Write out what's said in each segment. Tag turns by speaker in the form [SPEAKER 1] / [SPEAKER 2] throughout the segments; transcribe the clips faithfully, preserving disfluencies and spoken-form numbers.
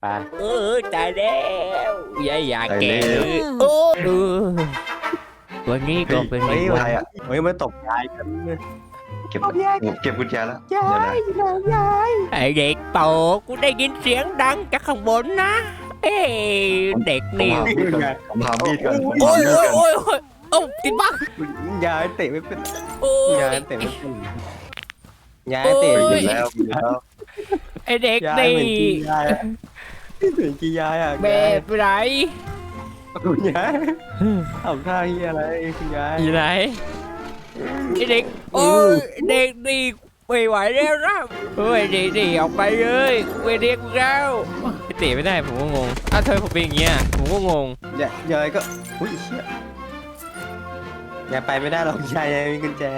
[SPEAKER 1] ไปเออตายแล้วยายอยากแก่โอ้เออวันนี้ก็เป็น
[SPEAKER 2] เฮ้ย
[SPEAKER 1] วั
[SPEAKER 2] อะไร
[SPEAKER 1] น
[SPEAKER 2] อ่ะเฮ้ยมาตบยายกัน
[SPEAKER 3] เก็บเก็บกุญแจแล้ว
[SPEAKER 2] ยายยาย
[SPEAKER 1] ไอเด็กโตกูได้ยินเสียงดังจากข้างบนนะเอ้เด็กนี่
[SPEAKER 3] ผมหามีดก่อนผม
[SPEAKER 1] โอ้
[SPEAKER 3] หาย มีด
[SPEAKER 1] โอ้ย
[SPEAKER 3] ก่อน
[SPEAKER 1] โอ้ยโอ้ยเอ้าติดบ้าง
[SPEAKER 2] ยายเตะไม่เป็น
[SPEAKER 1] โอ้
[SPEAKER 2] ยาย
[SPEAKER 1] ย
[SPEAKER 2] เตะไม่เป็นยายเตะ
[SPEAKER 3] ไป
[SPEAKER 2] ไม่
[SPEAKER 3] อยู่
[SPEAKER 2] เป็น
[SPEAKER 3] แล้วอยู่แล้ว
[SPEAKER 1] ไอเด็ก
[SPEAKER 2] ยาย
[SPEAKER 1] นี่
[SPEAKER 2] เหมือนกียายอะเหมือนกียายอ่ะ
[SPEAKER 1] แบบไหน
[SPEAKER 2] คุณยายทำท่าเฮียอะไรคุณยาย
[SPEAKER 1] อยู่ไหนไอเด็กโอ้ยเด็กนี่ไม่ไหวแล้วนะเฮ้ยเด็กนี่ออกไปเลยเวเด็กแล้วเตะไม่ได้ผมก็งงอ้าวเธอผมเป็นอย่างเงี้ยผมก็งง
[SPEAKER 2] ยายยายก็อุ้ยเชี่ยยายไปไม่ได้หรอกยายยายมีกุญแจ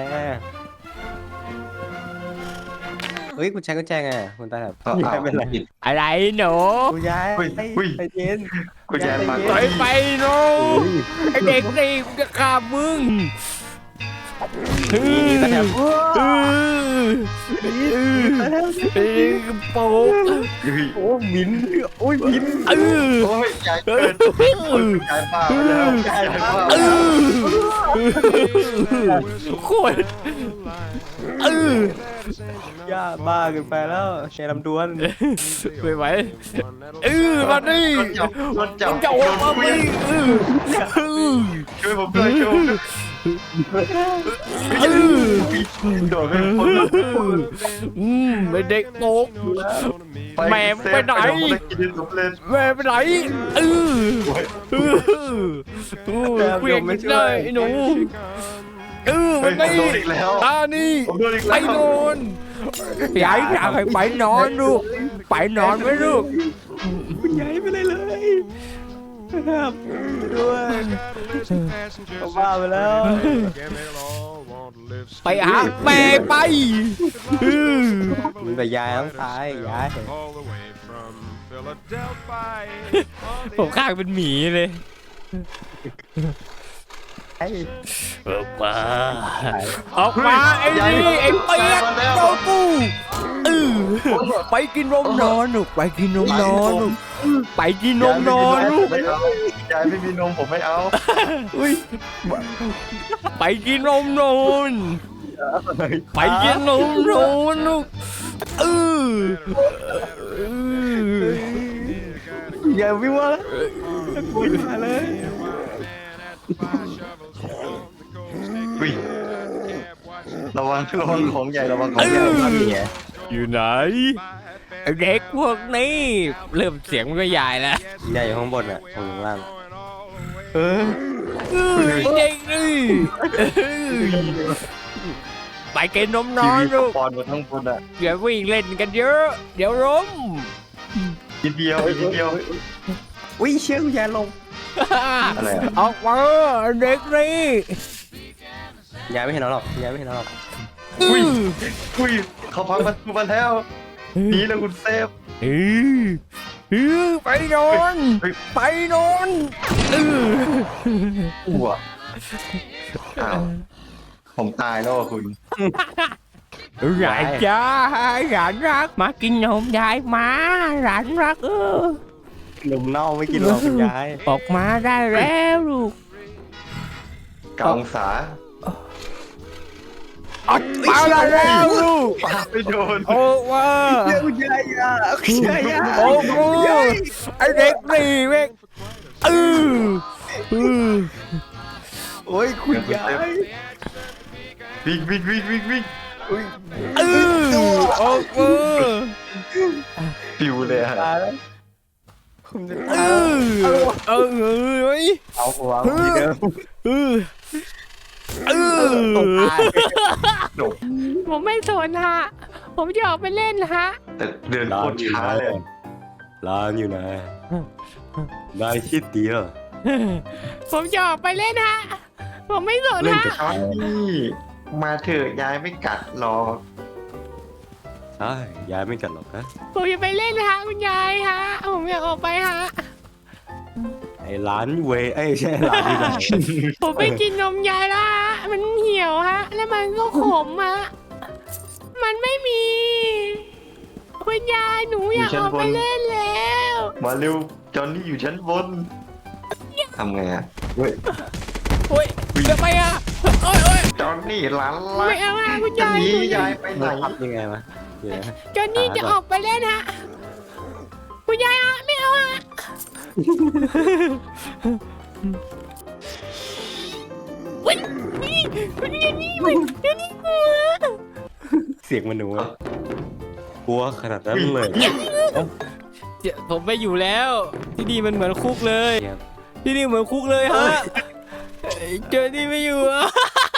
[SPEAKER 2] เฮ้ยคุณใช้กุญแจไงคุณตาครับ
[SPEAKER 3] ก็
[SPEAKER 2] ยายเป็นไร
[SPEAKER 3] ผิด
[SPEAKER 1] อะไรหนู
[SPEAKER 2] คุณยาย
[SPEAKER 3] อุ้ยอุ้ย
[SPEAKER 2] ใจเย็น
[SPEAKER 3] กุญแจปาก
[SPEAKER 1] ถอยไปหนูไอเด็กนี่กูจะฆ่ามึง
[SPEAKER 2] นี่ตาครับ
[SPEAKER 1] เออเออโป๊ก
[SPEAKER 3] อุ้ย
[SPEAKER 2] โอ้มินโอ้ยมิน
[SPEAKER 1] เออ
[SPEAKER 3] โอ้ยยายเกินยายบ้าไปแล้วยายบ้า
[SPEAKER 1] เออโคตรเออย่
[SPEAKER 2] าบ้าเกินไปแล้วแชร์ลำดวน
[SPEAKER 1] ไม่ไหวเออมาดิ
[SPEAKER 3] จับโดนจับ
[SPEAKER 1] จะ
[SPEAKER 3] โด
[SPEAKER 1] ออก
[SPEAKER 3] น
[SPEAKER 1] มา
[SPEAKER 3] คุ
[SPEAKER 1] ไม่
[SPEAKER 3] ย
[SPEAKER 1] เออเออ
[SPEAKER 3] ช่วยผมด้วยช่วยผมด้วย
[SPEAKER 1] เออ
[SPEAKER 3] โดนไม่พ้น
[SPEAKER 1] อืมไม่เด็กโป๊ก แม่ไปไหน
[SPEAKER 3] กินสำเร็จ
[SPEAKER 1] แม่ไปไหนเออเออเออเกวียงไม่ได้ไอ้หนูเออ
[SPEAKER 3] เฮ้
[SPEAKER 1] มั
[SPEAKER 3] ย
[SPEAKER 1] น
[SPEAKER 3] ผม
[SPEAKER 1] นี่
[SPEAKER 3] โดนอีกแล้ว
[SPEAKER 1] ตานี่
[SPEAKER 3] ผมโดนอีก
[SPEAKER 1] ไป
[SPEAKER 3] แล้ว
[SPEAKER 1] นอนยายอยากให้ไปนอนลูกไปนอนไหมลูก
[SPEAKER 2] คุณยายไม่ได้เลยครับด้วยเขาบ้าไปแล้ว
[SPEAKER 1] ไปหาแม่ไปเออ
[SPEAKER 2] มันแต่ยายต้องตายยาย
[SPEAKER 1] ผมข้างเป็นหมีเลย
[SPEAKER 2] ไอ้
[SPEAKER 1] ออกมาออกมาไอ้นี่ไอ้เปียกโดนกูเออไปกินนมนอนลูกไปกินนมนอนลูกไปกินนมนอนลูก
[SPEAKER 3] ไม่เอายายไม่มีนมผมไม่เอา
[SPEAKER 2] อุ้ย
[SPEAKER 1] ไปกินนมนอนไปกินนมนอนลูกเออเออย
[SPEAKER 2] ายวิ่งว่าแล้วกลัวยายเลย
[SPEAKER 3] อุ้ยระวังระวังของใหญ่ระวังของใหญ่มาเมีย
[SPEAKER 1] อยู่ไหนไอ้เด็กพวกนี้เริ่มเสียงมันก็ใหญ่แล้ว
[SPEAKER 2] ยายอยู่ข้างบนอ่ะผมอยู่ข้างล่างเออ
[SPEAKER 1] เออไอ้เด็กนี่เออไปกินนมน
[SPEAKER 3] ที
[SPEAKER 1] อน
[SPEAKER 3] วี
[SPEAKER 1] ลูก
[SPEAKER 3] ปอนมาทั้งบนอ่ะ
[SPEAKER 1] อย่าวิ่งเล่นกันเยอะเดี๋ยวล้ม
[SPEAKER 3] กินเดียวกินเดียว
[SPEAKER 2] อุ้ยเชี่ยคุณยายลง
[SPEAKER 3] อะไรอ่ะ
[SPEAKER 1] ออกมาเด็กนี่
[SPEAKER 2] ยายไม่เห็นเราหรอกยายไม่เห็นเราหรอก
[SPEAKER 3] อุ้ยอุ้ยเขาพังประตูมาแล้วหนีแล้วคุณเซฟ
[SPEAKER 1] เออเออไปนอน
[SPEAKER 3] เฮ้ย
[SPEAKER 1] ไปนอนเออ
[SPEAKER 3] อ้วอ้าวผมตายแล้วอ่ะคุณ
[SPEAKER 1] หลานจ้าหลานรักมากินนมยายมาหลานรักเออน
[SPEAKER 2] มเน่าไม่กินหรอกคุณยาย
[SPEAKER 1] ออกมาได้แล้วลูก
[SPEAKER 3] เกาองศา
[SPEAKER 1] ออกมาได้แล้วลูก
[SPEAKER 3] ปาไม่โดน
[SPEAKER 1] โอ้ว่า
[SPEAKER 2] คุณยายอ่ะคุณยายอ่ะ
[SPEAKER 1] โอ้โหไอเด็กนี่แม่งเออเออ
[SPEAKER 2] โอ้ยคุณยาย
[SPEAKER 3] วิ่งวิ่งวิ่งวิ่งวิ่ง
[SPEAKER 1] เออโอ้โห
[SPEAKER 3] ปิวเลยอะ
[SPEAKER 2] ตายแล้วผมจะ
[SPEAKER 1] เอ
[SPEAKER 2] ตาย
[SPEAKER 1] อเออเฮ้ย
[SPEAKER 2] เอาหัวที่เดิม
[SPEAKER 1] เออเออ
[SPEAKER 2] ตกตาย
[SPEAKER 3] จบ
[SPEAKER 1] ผมไม่สนฮะผมจะออกไปเล่นฮะ
[SPEAKER 3] แต่เดินโคตรช้าเลย
[SPEAKER 2] ร้านอยู่ไหนนายคิดดีเหรอ
[SPEAKER 1] ผมจะออกไปเล่นฮะผมไม่สน
[SPEAKER 2] เล่น
[SPEAKER 1] ฮะ
[SPEAKER 2] กับ
[SPEAKER 3] ช้อนนี่มาเถอะยายไม่กัดหรอก
[SPEAKER 2] ใช่ยายไม่กัดหรอกนะ
[SPEAKER 1] ผมจะไปเล่นฮะคุณยายฮะผมอยากออกไปฮะ
[SPEAKER 2] ไอ้ร้านเวไอ้ยใช่ร้านที่ไหน
[SPEAKER 1] ผมไปกินนมยายละฮะมันเหี่ยวฮะแล้วมันก็ขมฮะมันไม่มี ผคุณยายหนูอยากออกไปเล่นแล้ว
[SPEAKER 3] มาเร็วจอนนี่อยู่ชั้นบนทำไงอ่ะเฮ้ย
[SPEAKER 1] โอ้ยทำไมอ่ะโอ้ยโอ้ย
[SPEAKER 3] จอนนี่หลานรั
[SPEAKER 1] ไม่
[SPEAKER 3] ก
[SPEAKER 1] เอาอ่ะคุณ
[SPEAKER 3] จะ
[SPEAKER 1] ยาย
[SPEAKER 3] หนี
[SPEAKER 1] หนูอยาย
[SPEAKER 3] าก ยไปไหน
[SPEAKER 2] ทำยังไงวะเดี๋ยวนะ
[SPEAKER 1] จอนนี่จะออกไปเล่นฮะคุณยายอ่ะไม่เอาอ่ะวันนี้วันนี้นี่วันนี้กลัว
[SPEAKER 2] เสียงมันหนูอะกลัวขนาดนั้นเลย
[SPEAKER 1] เดี๋ยวผมไม่อยู่แล้ว ที่นี่มันเหมือนคุกเลย ที่นี่เหมือนคุกเลยฮะเจอที่ไม่อยู่อ่ะ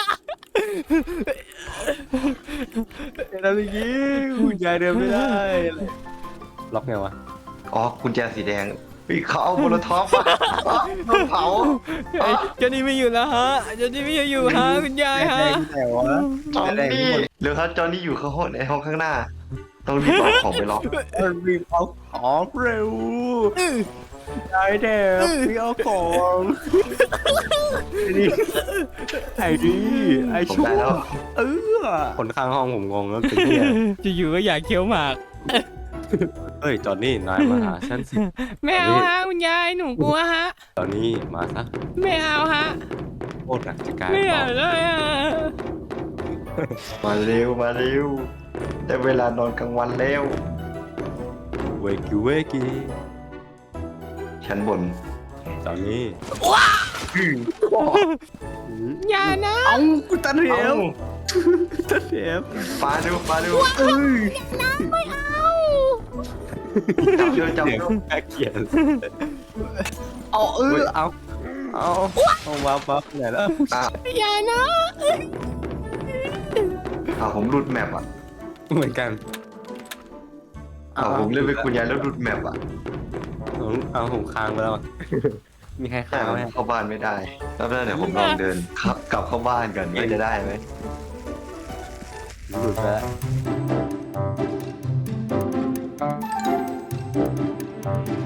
[SPEAKER 2] ทำอย่างนี้คุณยายเดินไม่ได้ล็อกไงวะ
[SPEAKER 3] อ๋อกุญแจสีแดงเฮ้ยเขาเอาโมโลท็อปมาโดนเผา
[SPEAKER 1] เจอที่ไม่อยู่แล้วฮะเจอที่ไม่อยู่ฮะคุณยายฮะ
[SPEAKER 2] แต่วะ
[SPEAKER 3] จอนนี่เร็วครับจอนนี่อยู่ข้างห้องในห้องข้างหน้า ต้องรีบเอาของไปล็อก
[SPEAKER 2] รีบเอาของเร็วยายเด็กรีบเอาของนี่ไอ้นี่ไอ้
[SPEAKER 3] ผม
[SPEAKER 2] ชั่ว
[SPEAKER 3] ได้แล้ว
[SPEAKER 2] เออคนข้างห้องผมงงแล้วเป็นเนี่ย
[SPEAKER 1] จะอยู่ก็อยากเคี้ยวหมาก
[SPEAKER 2] เฮ้ยจอนนี่นายมาหาฉันสิ
[SPEAKER 1] ไม่เอาฮะคุณยายหนูกลัวฮะ
[SPEAKER 2] จอนนี่มาซะ
[SPEAKER 1] ไม่เอาฮะ
[SPEAKER 2] โคตรหนักจะกลาย
[SPEAKER 1] ไม่
[SPEAKER 2] บ
[SPEAKER 1] เอา
[SPEAKER 2] อก
[SPEAKER 1] เลยอ่ะ
[SPEAKER 3] มาเร็วมาเร็วได้เวลานอนกลางวันแล้ว
[SPEAKER 2] เวกิเวกิ
[SPEAKER 3] ชั้นบน
[SPEAKER 2] จอนนี่
[SPEAKER 1] อย่านะ
[SPEAKER 2] เอ้ากูตันเห
[SPEAKER 3] เอ้า
[SPEAKER 2] วตันเหว
[SPEAKER 3] ปาดูปาดู
[SPEAKER 2] เอ้ย
[SPEAKER 1] ไม่เอา
[SPEAKER 3] จับดูจับ
[SPEAKER 2] เสียง
[SPEAKER 3] ดู
[SPEAKER 2] น่าเกลียดเอาเออเอาเอาเอาวับวับไหนแล้ว
[SPEAKER 3] อ่ะ
[SPEAKER 1] อย่านะ
[SPEAKER 3] อ่ะผมหลุดแมปอ่ะ
[SPEAKER 2] เหมือนกัน
[SPEAKER 3] อ่ะผมเล่นเป็นคุณยายแล้วหลุดแมปอ่ะ
[SPEAKER 2] ผมเอาผมค้างไปแล้วมีใคร
[SPEAKER 3] แต่
[SPEAKER 2] ค้างไหม
[SPEAKER 3] เข้าบ้านไม่ได้แล้วเดี๋ยวผมลองเดินครับกลับเข้าบ้านกันว่าจะได้ไหม
[SPEAKER 2] หลุดไปแล้ว